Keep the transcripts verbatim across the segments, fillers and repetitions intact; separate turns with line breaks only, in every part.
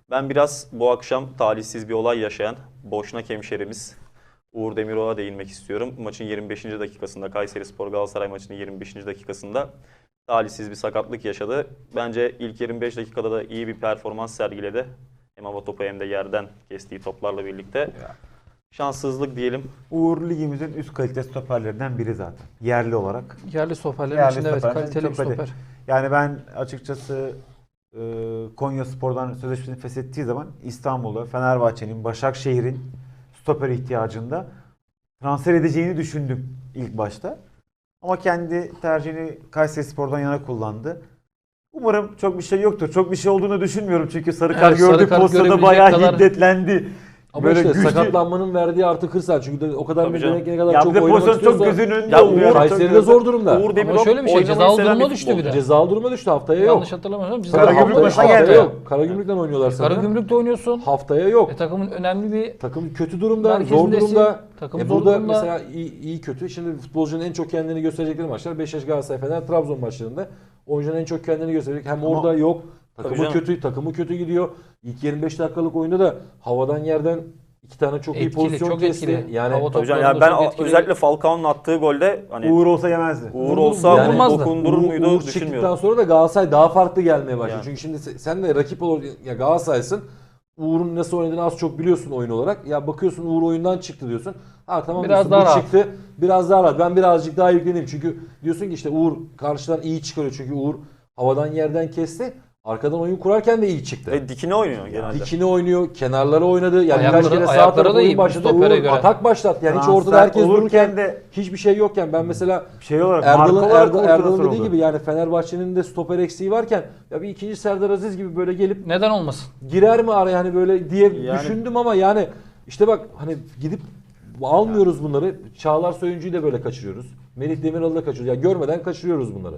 Ben biraz bu akşam talihsiz bir olay yaşayan Boşnak hemşerimiz Uğur Demirok'a değinmek istiyorum. Maçın yirmi beşinci dakikasında, Kayserispor Galatasaray maçının yirmi beşinci dakikasında talihsiz bir sakatlık yaşadı. Bence ilk yirmi beş dakikada da iyi bir performans sergiledi. Hem hava topu hem de yerden kestiği toplarla birlikte.
Ya.
Şanssızlık diyelim.
Uğur ligimizin üst kalite stoperlerinden biri zaten. Yerli olarak.
Yerli stoperlerin
Yerli
içinde evet
stoperlerin
kaliteli bir
çok
stoper.
Yani ben açıkçası e, Konyaspor'dan sözleşmesini feshettiği zaman İstanbul'da Fenerbahçe'nin, Başakşehir'in stoper ihtiyacında transfer edeceğini düşündüm ilk başta. Ama kendi tercihini Kayserispor'dan yana kullandı. Umarım çok bir şey yoktur. Çok bir şey olduğunu düşünmüyorum çünkü sarı kart
Evet, sarı
gördü,
kart
postada
görebilecek
bayağı
kadar-
hiddetlendi.
Ama
Böyle
işte
güçlü-
sakatlanmanın verdiği artı kırsan. Çünkü de o kadar
Tabii canım.
ne kadar
Ya
çok
bir de
oynamak
pozisyon çok
istiyorsa.
gözünün önünde
Ya
oluyor.
Uğur-
Kayseri'de zor durumda.
Uğur Demirok
Ama şöyle bir şey,
oynamayı
cezalı
seven
duruma
bir
düştü
futbolcu.
biraz.
Cezalı duruma düştü, haftaya yok.
Yanlış hatırlamıyorsam cezalı
Karagümrük
haftaya-
maçına
Haftaya
geldi.
yok. Karagümrük'ten oynuyorlar sanırım.
Karagümrük'te oynuyorsun.
Haftaya yok.
E, takımın önemli bir
Takım kötü durumda, zor
merkezindesin.
durumda.
Takım
E
zor
burada
durumda.
mesela iyi, iyi kötü. Şimdi futbolcunun en çok kendini gösterecekleri maçlar Beşiktaş, Galatasaray, Fener, Trabzon maçlarında. Oyuncunun en çok kendini gösterecek. Hem orada yok.
Tabii
Takımı
canım.
kötü, takımı kötü gidiyor. İlk yirmi beş dakikalık oyunda da havadan yerden iki tane çok iyi
Etkili,
pozisyon
çok
kesti.
etkili.
Yani
Hava
Tabii canım,
toplarında
yani ben
çok
a-
etkili.
özellikle Falcao'nun attığı golde hani Uğur,
Uğur olsa yemezdi.
olsa
Yani-
onu
Vurmazdı.
dokundurur
Uğur-
muydu
Uğur çıktıktan
düşünmüyorum.
sonra da Galatasaray daha farklı gelmeye başladı.
Yani.
Çünkü şimdi se- sen de rakip olur ya Galatasaray'sın. Uğur'un nasıl oynadığını az çok biliyorsun oyun olarak. Ya bakıyorsun Uğur oyundan çıktı diyorsun. Ha tamam
Biraz
diyorsun,
daha
bu
rahat.
çıktı. Biraz daha rahat. Ben birazcık daha yükleneyim. Çünkü diyorsun ki işte Uğur karşıdan iyi çıkarıyor. Çünkü Uğur havadan yerden kesti. Arkadan oyun kurarken de iyi çıktı.
Ve dikine oynuyor genelde.
Dikini oynuyor, kenarlara oynadı. Yani
Ayakları-
birkaç kere sağ
ayakları
tarafa
da iyi
oyun başladı.
stopere
Uğur
göre.
atak başlattı. Yani hiç
Transfer
ortada herkes
olurken
dururken
de
hiçbir şey yokken ben mesela
şey olarak marka
Erdal'ın
olarak
Erdal,
ortada
Erdal'ın
sorun
dediği
oldu.
gibi yani Fenerbahçe'nin de stoper eksiği varken ya bir ikinci Serdar Aziz gibi böyle gelip
Neden olmasın?
girer mi araya hani böyle diye
Yani-
düşündüm ama yani işte bak hani gidip almıyoruz bunları. Çağlar Söyüncü'yü de böyle kaçırıyoruz. Melih Demiral'ı da kaçırıyoruz. Ya görmeden kaçırıyoruz bunları.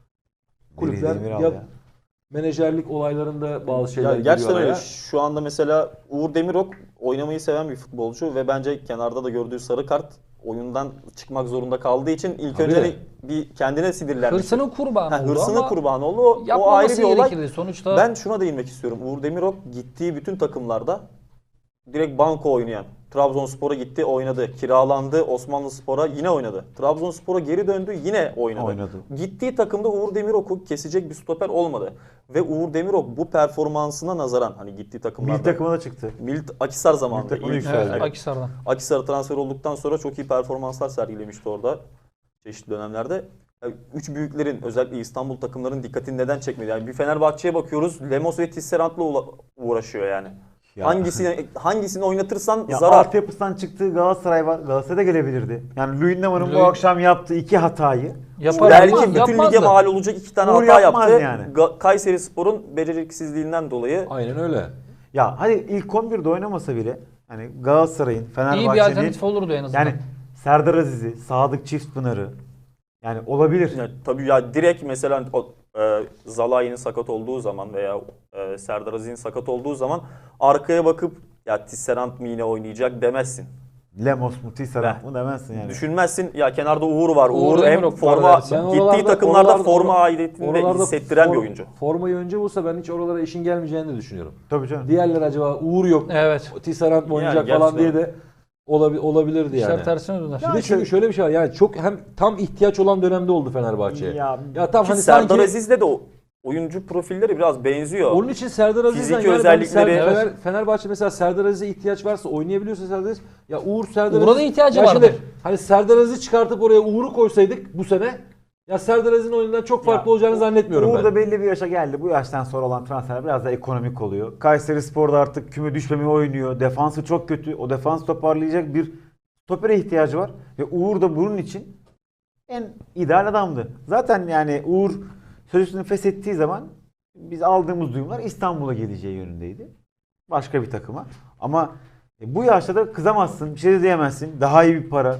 Kulüpler
Demiral
ya,
ya.
menajerlik olaylarında bazı şeyler
Ya
giriyor
gerçekten öyle.
araya.
Şu anda mesela Uğur Demirok oynamayı seven bir futbolcu ve bence kenarda da gördüğü sarı kart oyundan çıkmak zorunda kaldığı için ilk
Tabii.
önce hani bir kendine sinirlenmiş.
Hırsının kurbanı
Ha,
oldu
hırsının
ama
kurbanı oldu. O, o ayrı
yapmaması
bir olay.
gerekirdi. Sonuçta
Ben şuna değinmek istiyorum. Uğur Demirok gittiği bütün takımlarda direkt banko oynayan. Trabzonspor'a gitti, oynadı. Kiralandı, Osmanlıspor'a yine oynadı. Trabzonspor'a geri döndü, yine oynadı.
Oynadı.
Gittiği takımda Uğur Demirok'u kesecek bir stoper olmadı. Ve Uğur Demirok bu performansına nazaran hani gittiği takımlarda
Milli takıma da çıktı.
Milt Akisar zamanında
Milli takıma
ilk
yükseldi.
evet,
evet,
Akhisar'dan.
Akisar'a transfer olduktan sonra çok iyi performanslar sergilemişti orada çeşitli dönemlerde. Yani üç büyüklerin özellikle İstanbul takımlarının dikkatini neden çekmedi? Yani bir Fenerbahçe'ye bakıyoruz. Lemos ve Tisserant'la uğra- uğraşıyor yani.
Ya.
Hangisini hangisini oynatırsan
Ya
zarar.
altyapısından çıktığı Galatasaray var. Galatasaray'da gelebilirdi. Yani Louis Neman'ın bu
Louis-
akşam yaptığı iki hatayı
Yapar,
Belki
yapmaz,
bütün
yapmaz
lige
da.
mal olacak iki tane
Uğur
hata
yapmaz
yaptı.
yani.
Ga- Kayserispor'un beceriksizliğinden dolayı.
Aynen öyle.
ya hadi ilk on birde oynamasa bile hani Galatasaray'ın,
İyi bir
Fenerbahçe'nin
alternatif olurdu en azından.
yani Serdar Aziz'i, Sadık Çiftpınar'ı yani olabilir.
Yani tabii ya direkt mesela o, e, Zalai'nin sakat olduğu zaman veya e, Serdar Aziz'in sakat olduğu zaman arkaya bakıp ya Tisserant mı yine oynayacak demezsin.
Lemos mu, Tisserand
Heh.
mı demezsin yani.
Düşünmezsin ya kenarda Uğur var.
Uğur
Uğur, hem
Demirok var
forma
dersin.
Ben
gittiği
oralarda-
takımlarda
oralarda-
forma aidiyetini de
Oralarda
hissettiren
for-
bir oyuncu.
Formayı önce bulsa ben hiç oralara işin gelmeyeceğini de düşünüyorum.
Tabii canım.
Diğerler acaba Uğur yok,
Evet.
Tisserand mı oynayacak
Yani
falan diye
gerçekten.
de olabi- olabilirdi
İşler
yani.
tersine döner.
Bir de çünkü şöyle bir şey var yani çok hem tam ihtiyaç olan dönemde oldu Fenerbahçe'ye.
Ya-
Ya, tam
Ki
hani
Serdar
sanki
Aziz'le de o oyuncu profilleri biraz benziyor.
onun için Serdar Aziz'den
Fiziki
yani ben
özellikleri-
Ser- Fener- Fenerbahçe mesela Serdar Aziz'e ihtiyaç varsa oynayabiliyorsa Serdar Aziz ya Uğur Serdar
Uğur'a da
Aziz-
ihtiyacı
ya şimdi
vardır.
Hani Serdar Aziz'i çıkartıp oraya Uğur'u koysaydık bu sene ya Serdar Aziz'in oyundan çok farklı
Ya,
olacağını zannetmiyorum
Uğur
ben.
da belli bir yaşa geldi. Bu yaştan sonra olan transferler biraz da ekonomik oluyor. Kayserispor'da artık küme düşmemeye oynuyor. Defansı çok kötü. O defans toparlayacak bir stopere ihtiyacı var. Ve Uğur da bunun için en ideal adamdı. Zaten yani Uğur sözleşmesini feshettiği zaman biz aldığımız duyumlar İstanbul'a geleceği yönündeydi. Başka bir takıma. Ama e, bu yaşta da kızamazsın. Bir şey de diyemezsin. Daha iyi bir para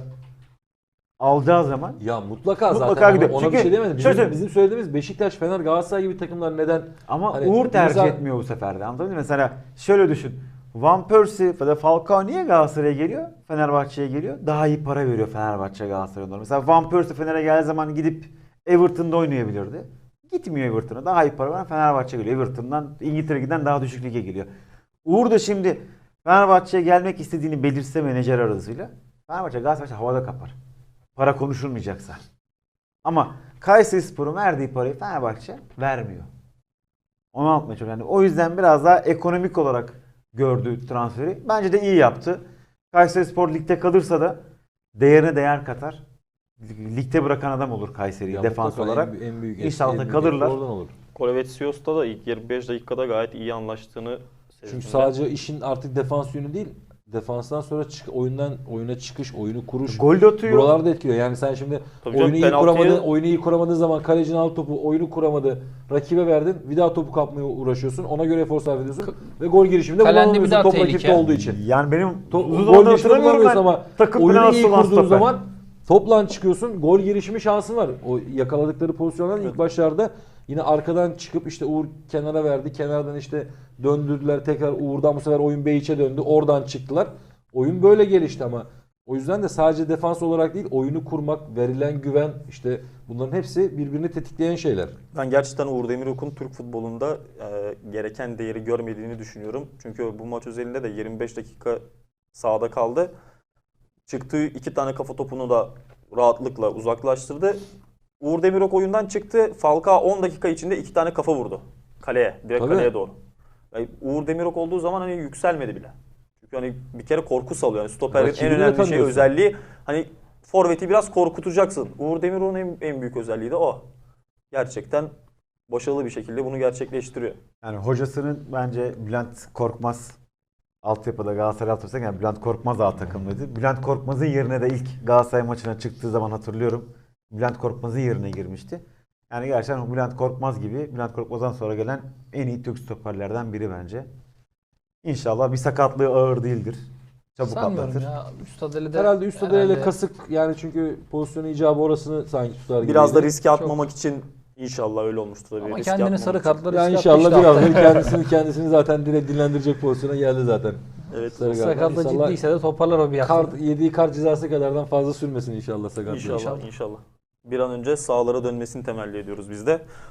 alacağı zaman
Ya mutlaka,
Mutlaka
zaten
gidiyor.
ona, ona
Çünkü
bir şey demedim.
şöyle
Bizim,
söyleyeyim.
bizim söylediğimiz Beşiktaş, Fener, Galatasaray gibi takımlar neden
ama
Hani
Uğur tercih
mesela-
etmiyor bu sefer de. Anladın mı? Mesela şöyle düşün. Van Persie ya da Falcao niye Galatasaray'a geliyor? Fenerbahçe'ye geliyor. Daha iyi para veriyor Fenerbahçe Galatasaray'a. Mesela Van Persie Fener'e geldiği zaman gidip Everton'da oynayabilirdi. Gitmiyor Everton'a. Daha iyi para veren Fenerbahçe geliyor. Everton'dan İngiltere giden daha düşük lige geliyor. Uğur da şimdi Fenerbahçe'ye gelmek istediğini belirse menajer aracılığıyla Fenerbahçe Galatasaray havada kapar. Para konuşulmayacaksa. Ama Kayserispor'un verdiği parayı Fenerbahçe vermiyor. Onu anlatmaya çalışıyorum. Yani o yüzden biraz daha ekonomik olarak gördü transferi. Bence de iyi yaptı. Kayserispor ligde kalırsa da değerine değer katar. Ligde bırakan adam olur Kayseri'yi
Ya
defans
mutlaka
olarak.
en, en büyük
İnşallah
en büyük
kalırlar.
etki oradan olur.
Kolevetsios'ta da ilk yirmi beş dakikada gayet iyi anlaştığını sezdim.
Çünkü sadece işin artık defans yönü değil. Defanstan sonra çık, oyundan oyuna çıkış, oyunu kuruş.
Gol de atıyor.
Buralarda etkiliyor. Yani sen şimdi
Tabii canım,
oyunu iyi
penaltıyı-
kuramadın, oyunu iyi kuramadığın zaman kalecinin al topu, oyunu kuramadı. Rakibe verdin. Bir daha topu kapmaya uğraşıyorsun. Ona göre efor sarf ediyorsun. Ve gol girişiminde
Kalende bir
kullanamıyorsun
daha
top
tehlike.
rakipte olduğu için.
Yani benim
To-
uzun
gol
zamandır
girişiminde
hatırlamıyorum ben.
kullanamıyorsun ama
Takım
oyunu
penaltısı
iyi
olan
kurduğun
stoper.
zaman topla çıkıyorsun. Gol girişimi şansın var. O yakaladıkları pozisyondan ilk başlarda yine arkadan çıkıp işte Uğur kenara verdi. Kenardan işte döndürdüler. Tekrar Uğur'dan bu sefer oyun Beyiç'e döndü. Oradan çıktılar. Oyun böyle gelişti ama o yüzden de sadece defans olarak değil, oyunu kurmak, verilen güven, işte bunların hepsi birbirini tetikleyen şeyler.
Ben gerçekten Uğur Demirok'un Türk futbolunda e, gereken değeri görmediğini düşünüyorum. Çünkü bu maç özelinde de yirmi beş dakika sahada kaldı. Çıktığı iki tane kafa topunu da rahatlıkla uzaklaştırdı. Uğur Demirok oyundan çıktı. Falcao on dakika içinde iki tane kafa vurdu. Kaleye, direkt
Tabii.
kaleye doğru. Yani Uğur Demirok olduğu zaman hani yükselmedi bile. Çünkü hani bir kere korku salıyor. Yani stoperin en
Rakibini
önemli şey
tanıyorsun.
özelliği hani forveti biraz korkutacaksın. Uğur Demirok'un en, en büyük özelliği de o. Gerçekten başarılı bir şekilde bunu gerçekleştiriyor.
Yani hocasının bence Bülent Korkmaz altyapıda Galatasaray altyapıda yani Bülent Korkmaz A takımlıydı. Bülent Korkmaz'ın yerine de ilk Galatasaray maçına çıktığı zaman hatırlıyorum. Bülent Korkmaz'ın yerine girmişti. Yani gerçekten Bülent Korkmaz gibi Bülent Korkmaz'dan sonra gelen en iyi Türk stoperlerden biri bence. İnşallah bir sakatlığı ağır değildir. Çabuk
Sanmıyorum
atlatır.
ya. Üstadeli de
Herhalde üst adayla
herhalde-
kasık yani çünkü pozisyonu icabı orasını sanki tutar gibi.
Biraz da riske atmamak için inşallah öyle olmuştur tabii.
Ama
Riske
kendini
atmamak
sarı
için.
kartları
Yani
riske
inşallah
atmıştı
birazdan
haftaya.
kendisini kendisini zaten direkt dinlendirecek pozisyona geldi zaten.
Evet.
Sarı kartlar.
Sakatlığı
İnşallah
ciddiyse de toparlar o bir hafta.
kart, yediği kart cezası kadardan fazla sürmesin inşallah sakatlığı.
İnşallah,
İnşallah.
inşallah. Bir an önce sahalara dönmesini temelli ediyoruz biz de.